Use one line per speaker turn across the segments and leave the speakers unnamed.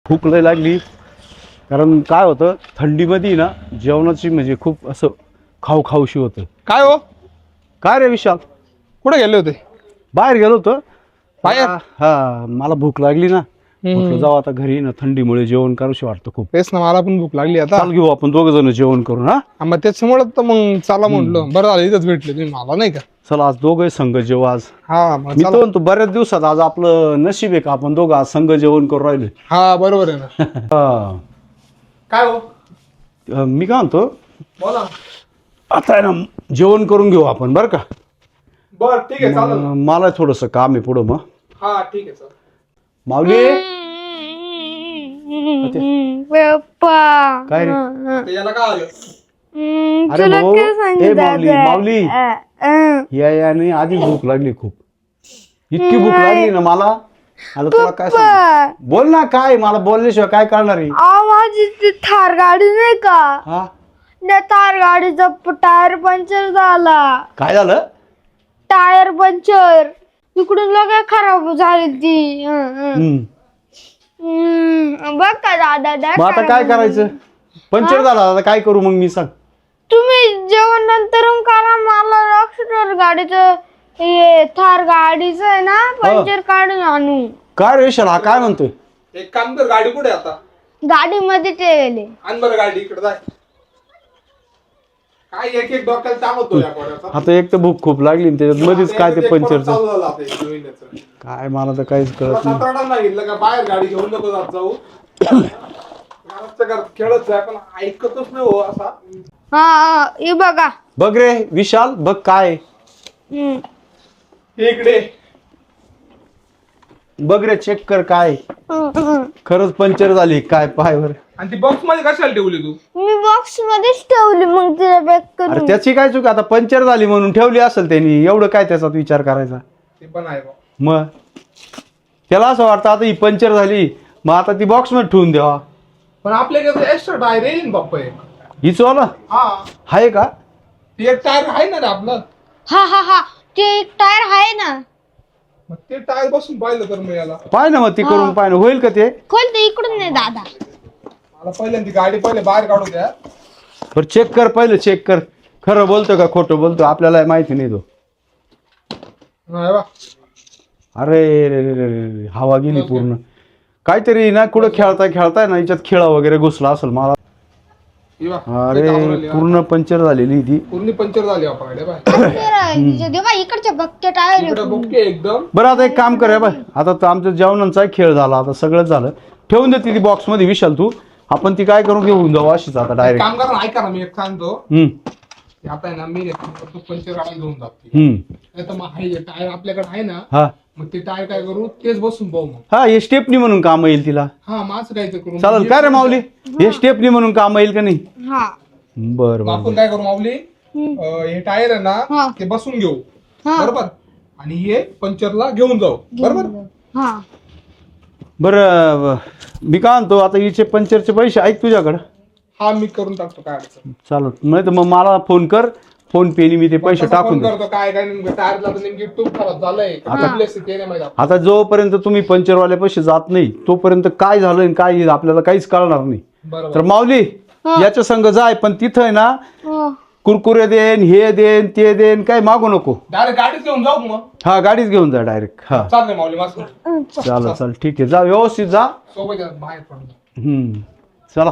भूक लय लागली. कारण काय होतं थंडीमध्ये ना जेवणाची म्हणजे खूप असं खाऊशी होतं.
काय हो
काय रे विशाल,
कुठे गेले होते?
बाहेर गेलो होतो
बाहेर?
हा मला भूक लागली ना, म्हटलं जाऊ आता घरी ना, थंडीमुळे जेवण करूशी वाटतं खूप.
तेच ना, मला पण भूक लागली आता.
चाल घेऊ आपण दोघ जण जेवण करून. हा
मग त्याच्यामुळे तर मग चला म्हटलं, बरं झालं इथंच भेटले तुम्ही मला, नाही का?
चला आज दोघे संघ जेवू. आज
हा मग
मी
चला.
तो म्हणतो बऱ्याच दिवसात आज आपलं नशीब आहे का आपण दोघं आज संघ जेवण करून राहिले.
हा बरोबर आहे ना.
हा.
काय हो?
मी काय म्हणतो
बोला.
आता आहे ना जेवण करून घेऊ आपण बरं का.
बर ठीक आहे, चालेल.
मला थोडस काम आहे पुढं. मग
हा ठीक आहे सर.
माऊली
पप्पा
काय रे?
याला काय आलं?
अरे
तुला
भाऊ,
काय
ए
सांगितलं
माऊली माऊली याने आधी भूक लागली खूप. इतकी भूक लागली ना मला. आता तुला काय सांगू? बोल ना, काय मला बोलल्याशिवाय काय करणार आहे?
माझी ती थार गाडी नाही का,
हा
त्या थार गाडीचा टायर पंक्चर झाला.
काय झालं?
टायर पंक्चर इकडून लगे खराब झाली ती. बघ का दादा,
मग आता काय करायचं? पंक्चर झाला आता काय करू मग मी सांग.
तुम्ही जेवण नंतर करा, मला लक्षात गाडीचं हे थार गाडीचं आहे ना पंक्चर काढून आणू.
काय रे शाला काय म्हणतोय?
एक काम कर, गाडी कुठे आहे आता?
गाडीमध्ये ठेवले.
आण बरं गाडी इकडे, जाय. काय एक एक डोक्याला ताण होतो या कोड्याचा.
आता एक तर भूक खूप लागली आणि त्याच्यात मध्येच काय ते पंक्चरचं
चालू झालं आता एक महिन्याचं.
काय मला तर काहीच कळत नाही.
सातारा सांगितलं का बाहेर गाडी घेऊन नको जात जाऊ. घरातल्या घरात खेळत जाय, पण ऐकतच नाही हो असा.
हा हे बघा.
बघ रे विशाल, बघ काय
हे इकडे
बघ रे, चेक कर काय खरंच पंक्चर झाली काय पायवर.
आणि ती बॉक्स मध्ये कशाला ठेवली तू?
मी बॉक्स मध्येच ठेवली, मग तिला पॅक
अरे
करून.
त्याची काय चूक, आता पंक्चर झाली म्हणून ठेवली असेल त्यांनी, एवढं काय त्याचा विचार करायचा.
ते पण आहे बा.
मग त्याला असं वाटतं आता ही पंक्चर झाली मग आता ती बॉक्स मध्ये ठेवून द्यावा.
पण आपल्याकडे एक्स्ट्रा टायर येईल बाप्पा एक.
हिच वाला
हा
आहे का?
ते एक टायर आहे ना रे आपलं.
हा ते एक टायर आहे ना.
मग ते टायर बसून पाहिलं तर मी याला.
पाय ना मग ती करून पाय ना, होईल का ते?
खोलते इकडून नाही दादा.
मला पहिल्यांदा गाडी पहिले बाहेर काढू द्या.
बरं चेक कर, पहिलं चेक कर खरं बोलतो का खोटं बोलतो, आपल्याला माहिती नाही तो.
नाही बा.
अरे रे रे रे रे, हवा गेली पूर्ण. काहीतरी ना कुठं खेळताय ना याच्यात खिळा वगैरे घुसला असेल मला.
हे बा.
अरे पूर्ण पंक्चर झालेली ती.
पूर्ण पंक्चर झाली आपल्या गाडी बाय.
देवा इकडच्या बघते टायर.
इकडे बुके एकदम.
बरं आता एक काम कर बाय, आता तर आमच्या जेवणाचा खेळ झाला, आता सगळंच झालं. ठेवून दे ती बॉक्स मध्ये विशाल तू. आपण ती काय करून घेऊन जाऊ अशीच आता डायरेक्ट.
काम करा ना, ऐका ना, मी एक सांगतो. ते आता आहे ना, मी तो पंक्चर गाडी घेऊन जातो. नाही तर मग आहे टायर आपल्याकडे आहे ना,
हा
मग ते टायर काय करू, तेच बसून पाहू मग.
हा हे स्टेपनी म्हणून काम येईल तिला.
हा माझं काय ते करू.
चालेल काय रे माऊली, हे स्टेपनी म्हणून काम येईल का नाही?
हा
बरं
मग आपण
बरं
काय करू माऊली, हे टायर आहे ना ते बसून घेऊ, बरोबर, आणि हे पंक्चरला घेऊन जाऊ, बरोबर.
हा
बरं मी काय म्हणतो, आता हिचे पंक्चरचे पैसे ऐक तुझ्याकडं.
हा मी करून टाकतो, काय अडचण.
चालत नाही तर मग मला फोन कर, फोन पेनी मी ते पैसे टाकून देतो.
करतो काय काय नेमकं टायरला तर नेमकी ट्यूब खराब झालंय. ते नाही माहिती.
आता जोपर्यंत तुम्ही पंक्चरवाल्या पैसे जात नाही तोपर्यंत काय झालं आणि काय आपल्याला काहीच कळणार नाही.
बरोबर.
तर माऊली याच्या संग जाय, पण तिथं आहे ना
हो.
कुरकुरे देन, हे देन ते देन, काय मागू नको.
डायरेक्ट गाडीच घेऊन जाऊ मग.
हा गाडीच घेऊन जा डायरेक्ट. हा
चालतंय माऊली, मस्त.
चाल ठीक आहे, जा व्यवस्थित जा.
सोबत या, बाहेर पडतो.
चला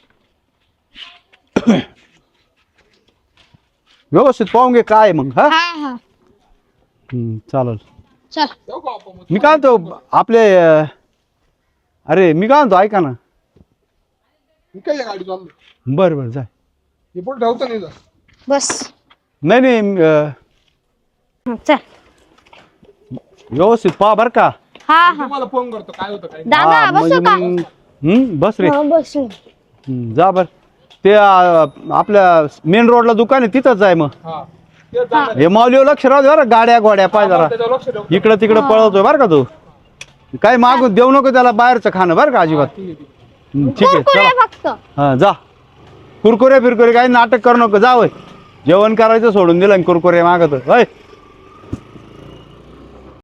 व्यवस्थित पाहून घे काय मग. हा
हा
चालेल.
चल
जाऊ का आपण मग?
मी काय म्हणतो आपले अरे मी काय म्हणतो ऐका ना.
मी काय गाडी चाललो.
बरं बरं जाय.
हे पुढे ठेवतो नाही जा.
बस.
नाही
चल
व्यवस्थित पहा बर का.
हा
तुम्हाला फोन करतो काय होतं काय.
दादा
हा,
बसू का?
बस रे.
बसू.
जा बर. ते आपल्या मेन रोडला दुकान आहे तिथंच जाय मग.
हा ते जाणार.
हे माऊलीवर लक्ष राहू दे बरं, गाड्या घोड्या पाय जरा
त्याच्यावर लक्ष ठेव.
इकडं तिकडं पळवतोय बरं का तू. काय मागून देऊ नको त्याला बाहेरचं खाणं बरं का अजिबात.
ठीक आहे.
ठीक आहे
कुरकुरे
चला.
फक्त.
हा जा. कुरकुरे फिरकुरे काही नाटक करू नको, जा होय. जेवण करायचं सोडून दिलं आणि कुरकुरे मागत होय.